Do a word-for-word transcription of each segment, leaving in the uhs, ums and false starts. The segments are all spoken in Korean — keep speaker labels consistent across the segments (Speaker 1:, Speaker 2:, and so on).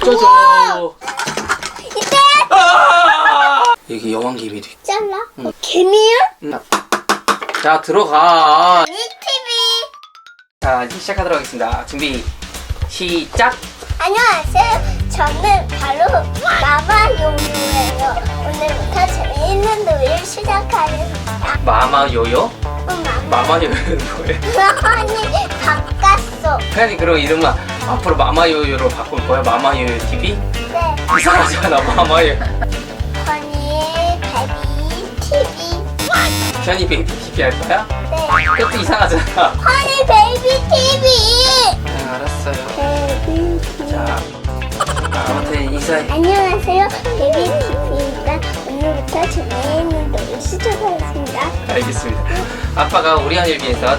Speaker 1: 짜잔. 이때. 아! 여기 여왕개미도 있고.
Speaker 2: 잘라?
Speaker 1: 응.
Speaker 2: 어, 개미야?
Speaker 1: 응. 자, 들어가.
Speaker 2: 이 티비.
Speaker 1: 자, 이제 시작하도록 하겠습니다. 준비, 시작.
Speaker 2: 안녕하세요. 저는 바로 마마요요예요. 오늘부터 재미있는 놀이를 시작하겠습니다.
Speaker 1: 마마요요?
Speaker 2: 응, 마마.
Speaker 1: 마마요요는 뭐예요?
Speaker 2: 아니, 바꿨어.
Speaker 1: 아니, 그럼 이름은 앞으로 마마요요로 바꿀 거야? 마마요요 티비?
Speaker 2: 네.
Speaker 1: 이상하잖아, 마마요요.
Speaker 2: 허니 베이비 티비.
Speaker 1: 현이 베이비 티비 할 거야?
Speaker 2: 네.
Speaker 1: 그것도 이상하잖아.
Speaker 2: 허니 베이비 티비.
Speaker 1: 응, 알았어요.
Speaker 2: 베이비 티비.
Speaker 1: 자, 아무튼 인사해.
Speaker 2: 안녕하세요. 베이비 티비입니다. 오늘부터 재미있는 놀이 시작하겠습니다.
Speaker 1: 알겠습니다. 아빠가 우리 아이를 위해서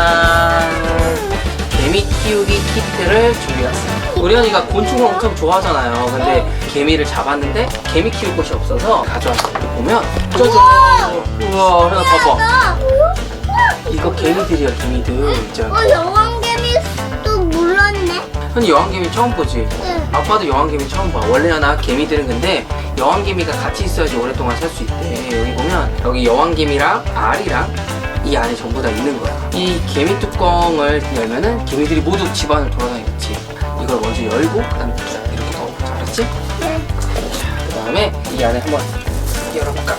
Speaker 1: 짜잔! 개미 키우기 키트를 준비했어요. 우리 언니가 곤충을 엄청 좋아하잖아요. 근데 개미를 잡았는데 개미 키울 곳이 없어서 가져왔어요. 여기 보면 짜잔! 우와, 하나 봐봐. 이거 개미들이야, 개미들. 진짜.
Speaker 2: 어, 여왕개미도 몰랐네.
Speaker 1: 현이 여왕개미 처음 보지?
Speaker 2: 응.
Speaker 1: 아빠도 여왕개미 처음 봐. 원래 하나 개미들은 근데 여왕개미가 같이 있어야지 오랫동안 살 수 있대. 여기 보면 여기 여왕개미랑 알이랑 이 안에 전부 다 있는 거야. 이 개미 뚜껑을 열면은 개미들이 모두 집안을 돌아다니겠지. 이걸 먼저 열고 그다음에 이렇게 넣어보자. 알았지?
Speaker 2: 네.
Speaker 1: 그 다음에 이 안에 한번 열어볼까?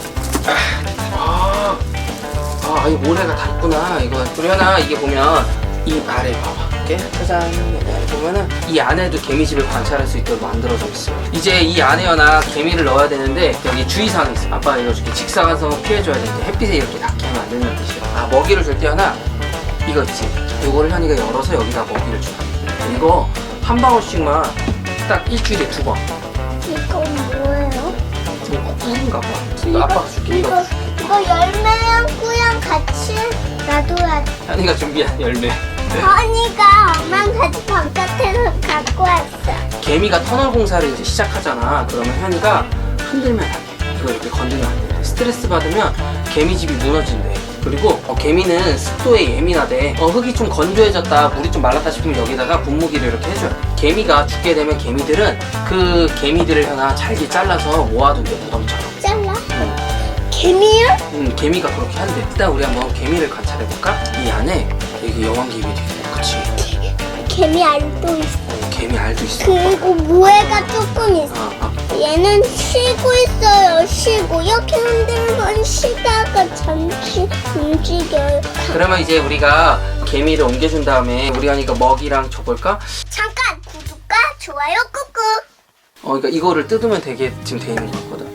Speaker 1: 아, 아, 아, 이 모래가 다 있구나. 이거 우리 하나 이게 보면 이 아래 봐봐. 이렇게 짜잔 여기 안에 보면은 이 안에도 개미집을 관찰할 수 있도록 만들어져 있어요. 이제 이 안에 하나 개미를 넣어야 되는데 여기 주의사항이 있어. 아빠가 알려줄게. 직사광선을 피해줘야 되는데 햇빛에 이렇게 닿게 하면 안 된다는 뜻이야. 아, 먹이를 줄 때 하나 이거 있지. 이거를 현이가 열어서 여기다 먹이를 줘. 이거 한 방울씩만 딱 일주일에 두 번.
Speaker 2: 이건 뭐예요?
Speaker 1: 이거 꿀인가 봐. 이거 아빠가 줄게. 이거
Speaker 2: 이거, 이거 열매랑 꾸랑 같이 놔둬야 돼.
Speaker 1: 현이가 준비한 열매.
Speaker 2: 허니가 엄마랑 같이 바깥에서 갖고 왔어.
Speaker 1: 개미가 터널 공사를 이제 시작하잖아. 그러면 현이가 흔들면 안 돼. 이거 이렇게 건드리면 안 돼. 스트레스 받으면 개미집이 무너진대. 그리고 어, 개미는 습도에 예민하대. 어, 흙이 좀 건조해졌다, 물이 좀 말랐다 싶으면 여기다가 분무기를 이렇게 해줘야 돼. 개미가 죽게 되면 개미들은 그 개미들을 하나 잘게 잘라서 모아둔대, 무덤처럼.
Speaker 2: 잘라?
Speaker 1: 응.
Speaker 2: 개미야?
Speaker 1: 음, 개미가 그렇게 한대. 일단 우리 한번 개미를 관찰해볼까? 이 안에 여기 여왕개미도 있고, 그치?
Speaker 2: 개미 알도 있어.
Speaker 1: 어, 개미 알도 있어.
Speaker 2: 그리고 모래가 조금 있어.
Speaker 1: 아, 아.
Speaker 2: 얘는 쉬고 있어요. 쉬고 이렇게 흔들면 쉬다가 잠시 움직여요.
Speaker 1: 그러면 이제 우리가 개미를 옮겨준 다음에 우리 언니가 먹이랑 줘볼까?
Speaker 2: 잠깐 구독과 좋아요 꾹꾹.
Speaker 1: 어, 그러니까 이거를 뜯으면 되게 지금 돼 있는 것 같거든.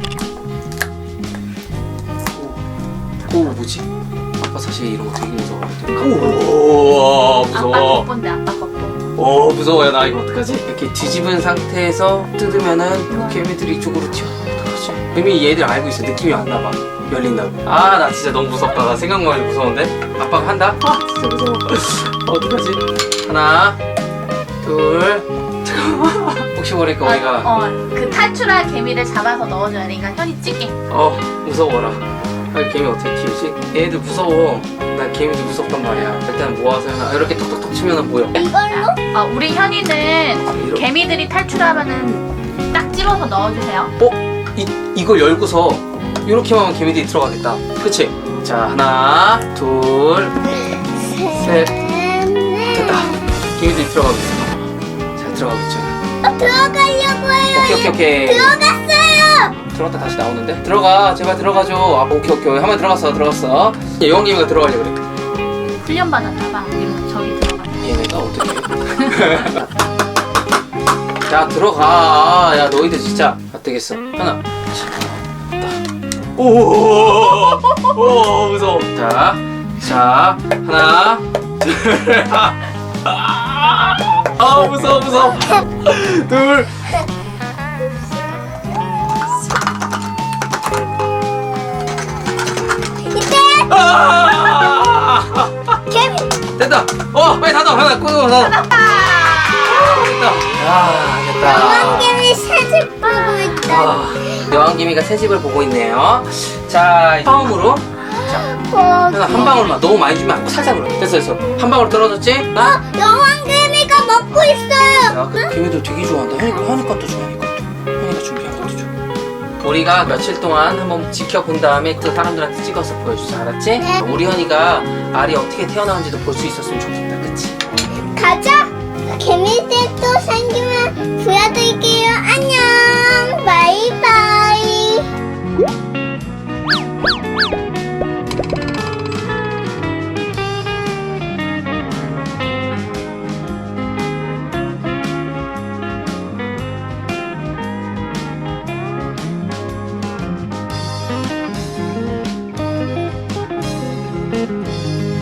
Speaker 1: 오, 오, 뭐지? 아빠 사실 이런 거 되게 무서워하거든. 오,
Speaker 3: 아빠 것본데 아빠 것본.
Speaker 1: 오, 무서워요. 나 이거 어떡하지? 이렇게 뒤집은 상태에서 뜯으면은 개미들이 이쪽으로 튀어. 어떡하지? 이미 얘들 알고 있어. 느낌이 왔나 봐. 열린다고. 아, 나 진짜 너무 무섭다. 나 생각만 해도 무서운데? 아빠가 한다?
Speaker 3: 와 진짜 무서워.
Speaker 1: 어떡하지? 하나, 둘, 잠깐만. 혹시 모르니까 우리가
Speaker 3: 어, 그 탈출할 개미를 잡아서 넣어줘야 되니까 현이 찍게.
Speaker 1: 어, 무서워라. 아, 개미 어떻게 키우지? 얘들 무서워. 난 개미도 무섭단 말이야. 일단 모아서 하나 이렇게 톡톡톡 치면은 뭐야?
Speaker 2: 이걸로?
Speaker 3: 어, 우리 현이는
Speaker 1: 이렇게.
Speaker 3: 개미들이 탈출하면은 딱 집어서 넣어주세요.
Speaker 1: 어? 이, 이걸 열고서 이렇게만 하면 개미들이 들어가겠다. 그치? 자, 하나, 둘, 셋. 됐다. 개미들이 들어가고 있어. 잘 들어가고 있잖아.
Speaker 2: 어, 들어가려고 해요.
Speaker 1: 오케이, 오케이, 오케이.
Speaker 2: 들어갔어요.
Speaker 1: 들어갔다 다시 나오는데? 들어가. 제발 들어가줘. 아, 오케이, 오케이. 한 번 들어갔어. 들어갔어. 여왕개미가 들어가려고 그래.
Speaker 3: 훈련 받았나봐. 이러면 저기 들어가.
Speaker 1: 얘네가 어떻게 자, 들어가. 야, 너희들 진짜 안 되겠어. 하나. 오, 오, 무서워. 자, 자, 하나, 둘, 아, 아, 무서워, 무서워. 둘.
Speaker 2: 이때
Speaker 1: 아!
Speaker 2: 개미.
Speaker 1: 됐다. 어, 빨리 닫아. 하나, 끄고 닫아. 됐다. 아, 됐다.
Speaker 2: 여왕개미 새집 보고 있다.
Speaker 1: 아, 여왕개미가 새 집을 보고 있네요. 자, 처음으로 자,
Speaker 2: 어,
Speaker 1: 하나 한 방울만. 너무 많이 주면 안 돼. 살짝으로. 됐어, 됐어. 한 방울 떨어졌지? 나?
Speaker 2: 여왕개미가 먹고 있어요.
Speaker 1: 야, 그 개미들 되게 좋아한다. 현이, 현이 것도 줘, 현이 것도. 현이가 준비한 것도 줘. 우리가 며칠 동안 한번 지켜본 다음에 그 사람들한테 찍어서 보여주자, 알았지?
Speaker 2: 네.
Speaker 1: 우리 현이가 알이 어떻게 태어나는지도 볼 수 있었으면 좋겠다, 그치?
Speaker 2: 가자. 개미들 또 생기면 보여드릴게요. 안녕. 바이바이.